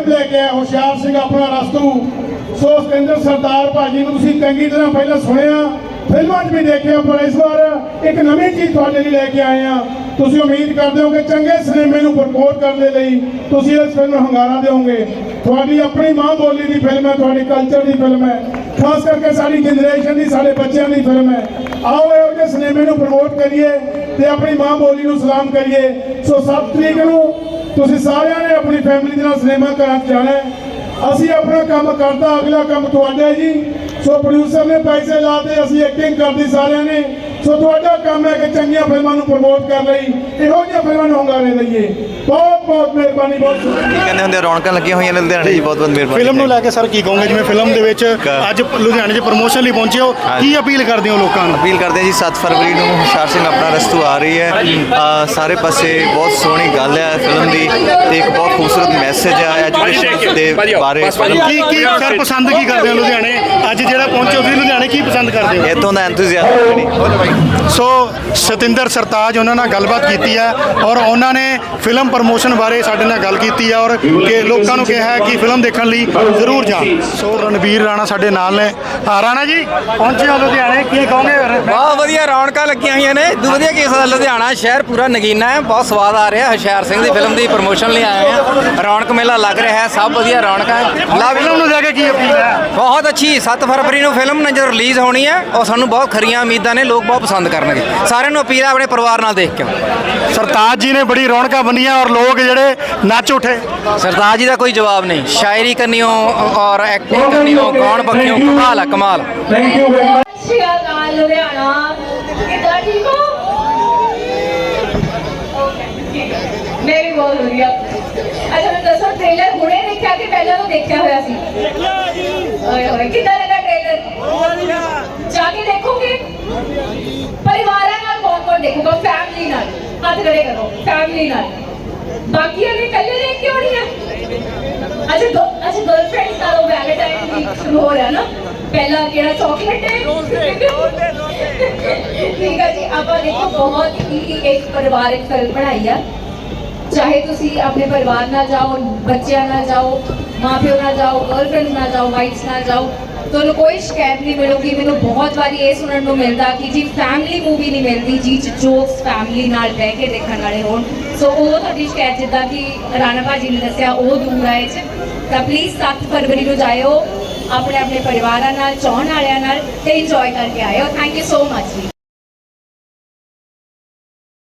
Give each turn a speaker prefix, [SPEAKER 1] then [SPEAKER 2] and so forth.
[SPEAKER 1] Film लेके आया होशियार सिंह अपना रस्तू। सो सतिंदर सरदार भाजी नूं तुसीं चंगी तरह पहले सुनिया, फिल्मां 'च भी देखिया, पर इस बार एक नवीं चीज़ तुहाडे लई लैके आए हैं। तुसीं उम्मीद करदे हो कि चंगे सिनेमे नूं प्रमोट करने लई तुसीं इस फिल्म नूं हंगारा देओगे। तुहाडी अपनी माँ बोली की फिल्म है, तुहाडी कल्चर की फिल्म है, खास करके साडी जनरेशन की, साडे बच्चों की फिल्म है। आओ इहो ਜਿਹੇ सिनेमे नूं प्रमोट करिए ते अपनी माँ बोली नूं सलाम करिए। सो 7 तरीक नूं तुसीं सारिਆਂ ने अपनी फैमिली दे नाल सिनेमा घरां 'च जाना है। असी अपना काम करता, अगला काम तुहाडा जी। सो प्रोड्यूसर ने पैसे लाते, असी एक्टिंग करती सारिਆਂ ने। सो तुहाडा काम है कि चंगियां फिल्मां नूं प्रमोट कर लई इहो जिहियां फिल्मां नूं हंगारे दईए। बहुत बहुत मेहरबानी। बहुत
[SPEAKER 2] ਕਹਿੰਦੇ ਹੁੰਦੇ ਰੌਣਕਾਂ ਲੱਗੀਆਂ ਹੋਈਆਂ ਨੇ ਲੁਧਿਆਣੇ ਜੀ। ਬਹੁਤ ਬਹੁਤ ਮਿਹਰਬਾਨੀ।
[SPEAKER 3] ਫਿਲਮ ਨੂੰ ਲੈ ਕੇ ਸਰ ਕੀ ਕਹੋਗੇ, ਜਿਵੇਂ ਫਿਲਮ ਦੇ ਵਿੱਚ ਅੱਜ ਲੁਧਿਆਣੇ 'ਚ ਪ੍ਰਮੋਸ਼ਨ ਲਈ ਪਹੁੰਚੇ ਹੋ, ਕੀ ਅਪੀਲ ਕਰਦੇ ਹੋ ਲੋਕਾਂ ਨੂੰ?
[SPEAKER 2] ਅਪੀਲ ਕਰਦੇ ਜੀ 7 ਫਰਵਰੀ ਨੂੰ ਹੁਸ਼ਿਆਰ ਸਿੰਘ ਆਪਣਾ ਰਸਤੂ ਆ ਰਹੀ ਹੈ। ਸਾਰੇ ਪਾਸੇ ਬਹੁਤ ਸੋਹਣੀ ਗੱਲ ਹੈ ਫਿਲਮ ਦੀ ਤੇ ਇੱਕ ਬਹੁਤ ਖੂਬਸੂਰਤ ਮੈਸੇਜ ਹੈ ਐਜੂਕੇਸ਼ਨ ਦੇ ਬਾਰੇ।
[SPEAKER 3] ਕੀ ਸਰ ਪਸੰਦ ਕੀ ਕਰਦੇ ਹੋ ਲੁਧਿਆਣੇ ਅੱਜ ਜਿਹੜਾ ਪਹੁੰਚੇ ਹੋ ਤੁਸੀਂ ਲੁਧਿਆਣੇ, ਕੀ ਪਸੰਦ ਕਰਦੇ ਹੋ?
[SPEAKER 2] ਇੱਥੋਂ ਦਾ ਐਂਥੂਸੀਆਜ਼ਮ।
[SPEAKER 3] ਸੋ ਸਤਿੰਦਰ ਸਰਤਾਜ ਉਹਨਾਂ ਨਾਲ ਗੱਲਬਾਤ ਕੀਤੀ ਹੈ ਔਰ ਉਹਨਾਂ ਨੇ ਫਿਲਮ ਪ੍ਰਮੋਸ਼ਨ ਬਾਰੇ ਸਾਡੇ ਨਾਲ ਗੱਲ ਕੀਤੀ ਹੈ ਔਰ ਕਿ ਲੋਕਾਂ ਨੂੰ ਕਿਹਾ ਹੈ ਕਿ ਫਿਲਮ ਦੇਖਣ ਲਈ ਜ਼ਰੂਰ ਜਾਣ। ਸੋ ਰਣਵੀਰ ਰਾਣਾ ਸਾਡੇ ਨਾਲ ਨੇ। ਰਾਣਾ ਜੀ ਪਹੁੰਚੇ ਹੋ ਲੁਧਿਆਣੇ, ਕੀ ਕਹੋਗੇ?
[SPEAKER 4] ਬਹੁਤ ਵਧੀਆ ਰੌਣਕਾਂ ਲੱਗੀਆਂ ਹੋਈਆਂ ਨੇ। ਇਦੋਂ ਵਧੀਆ ਕਿਸ ਦਾ ਲੁਧਿਆਣਾ ਸ਼ਹਿਰ ਪੂਰਾ ਨਗੀਨਾ ਹੈ, ਬਹੁਤ ਸਵਾਦ ਆ ਰਿਹਾ। ਹੁਸ਼ਿਆਰ ਸਿੰਘ ਦੀ ਫਿਲਮ ਦੀ ਪ੍ਰਮੋਸ਼ਨ ਲਈ ਆਏ ਹਾਂ, ਰੌਣਕ ਮੇਲਾ ਲੱਗ ਰਿਹਾ ਹੈ, ਸਭ ਵਧੀਆ ਰੌਣਕਾਂ ਹੈ।
[SPEAKER 3] ਫਿਲਮ ਨੂੰ ਲੈ ਕੇ ਕੀ ਅਪੀਲ ਹੈ?
[SPEAKER 4] ਬਹੁਤ ਅੱਛੀ 7 ਫਰਵਰੀ ਨੂੰ ਫਿਲਮ ਨੇ ਜਦੋਂ ਰਿਲੀਜ਼ ਹੋਣੀ ਹੈ ਔਰ ਸਾਨੂੰ ਬਹੁਤ ਖਰੀਆਂ ਉਮੀਦਾਂ ਨੇ, ਲੋਕ ਬਹੁਤ ਪਸੰਦ ਕਰਨਗੇ। ਸਾਰਿਆਂ ਨੂੰ ਅਪੀਲ ਹੈ ਆਪਣੇ ਪਰਿਵਾਰ ਨਾਲ ਦੇਖ ਕੇ।
[SPEAKER 3] ਸਰਤਾਜ ਜੀ ਨੇ ਬੜੀ ਰੌਣਕਾਂ ਬੰਨੀਆਂ ਔਰ ਲੋਕ ਜਿਹੜੇ ਨੱਚ ਉੱਠੇ।
[SPEAKER 4] ਸਰਤਾਜ ਜੀ ਦਾ ਕੋਈ ਜਵਾਬ ਨਹੀਂ, ਸ਼ਾਇਰੀ ਕਰਨੀਓ ਔਰ ਐਕਟਿੰਗ ਕਰਨੀਓ, ਗਾਉਣ ਪੱਖਿਓ ਕਮਾਲ ਹੈ, ਕਮਾਲ।
[SPEAKER 1] Thank you very much.
[SPEAKER 5] Ludhiana ਕਿੱਦਾਂ ਠੀਕ ਹੋ? ਮੈਂ ਵੀ ਬਹੁਤ ਵਧੀਆ। ਅੱਛਾ ਮੈਨੂੰ ਦੱਸੋ, ਟ੍ਰੇਲਰ ਹੁਣੇ ਦੇਖਿਆ ਕਿ ਪਹਿਲਾਂ ਤੋਂ ਦੇਖਿਆ ਹੋਇਆ ਸੀ? ਓਏ ਹੋਏ, ਕਿੱਦਾਂ ਲੱਗਾ ਟ੍ਰੇਲਰ? ਜਾ ਕੇ ਦੇਖੋਗੇ? ਪਰਿਵਾਰਾਂ ਨਾਲ ਕੌਣ ਦੇਖੂਗਾ? ਫੈਮਿਲੀ ਨਾਲ ਹੱਥ ਖੜੇ ਕਰੋ, ਫੈਮਿਲੀ ਨਾਲ। ਬਾਕੀਆਂ ਨੇ ਇਕੱਲੇ ਦੇਖ ਕੇ ਆਉਣੀ ਹੈ? ਅੱਛਾ ਗਰਲਫ੍ਰੈਂਡਸ ਨਾਲ ਵੈਲੈਂਟਾਈਨ ਵੀਕ ਸ਼ੁਰੂ ਹੋ ਰਿਹਾ ਨਾ, ਪਹਿਲਾ ਕਿਹੜਾ ਚਾਕਲੇਟ ਹੈ। ਠੀਕ ਹੈ ਜੀ, ਆਪਾਂ ਦੇਖੋ ਬਹੁਤ ਹੀ ਇੱਕ ਪਰਿਵਾਰਿਕ ਫਿਲਮ ਬਣਾਈ ਆ। ਚਾਹੇ ਤੁਸੀਂ ਆਪਣੇ ਪਰਿਵਾਰ ਨਾਲ ਜਾਓ, ਬੱਚਿਆਂ ਨਾਲ ਜਾਓ, ਮਾਂ ਪਿਓ ਨਾਲ ਜਾਓ, ਗਰਲਫ੍ਰੈਂਡਸ ਨਾਲ ਜਾਓ, ਵਾਈਫਸ ਨਾਲ ਜਾਓ, ਤੁਹਾਨੂੰ ਕੋਈ ਸ਼ਿਕਾਇਤ ਨਹੀਂ ਮਿਲੂਗੀ। ਮੈਨੂੰ ਬਹੁਤ ਵਾਰੀ ਇਹ ਸੁਣਨ ਨੂੰ ਮਿਲਦਾ ਕਿ ਜੀ ਫੈਮਿਲੀ ਮੂਵੀ ਨਹੀਂ ਮਿਲਦੀ ਜੀ ਜੋਕਸ ਫੈਮਿਲੀ ਨਾਲ ਬਹਿ ਕੇ ਦੇਖਣ ਵਾਲੇ ਹੋਣ। ਸੋ ਉਹ ਤੁਹਾਡੀ ਸ਼ਿਕਾਇਤ ਜਿੱਦਾਂ ਕਿ ਰਾਣਾ ਭਾਜੀ ਨੇ ਦੱਸਿਆ ਉਹ ਦੂਰ ਆਏ 'ਚ ਤਾਂ ਪਲੀਜ਼ 7 ਫਰਵਰੀ ਨੂੰ ਜਾਇਓ ਆਪਣੇ ਆਪਣੇ ਪਰਿਵਾਰਾਂ ਨਾਲ, ਚਾਹੁਣ ਵਾਲਿਆਂ ਨਾਲ ਤੇ ਇੰਜੋਏ ਕਰਕੇ ਆਇਓ। ਥੈਂਕ ਯੂ ਸੋ ਮਚ ਜੀ।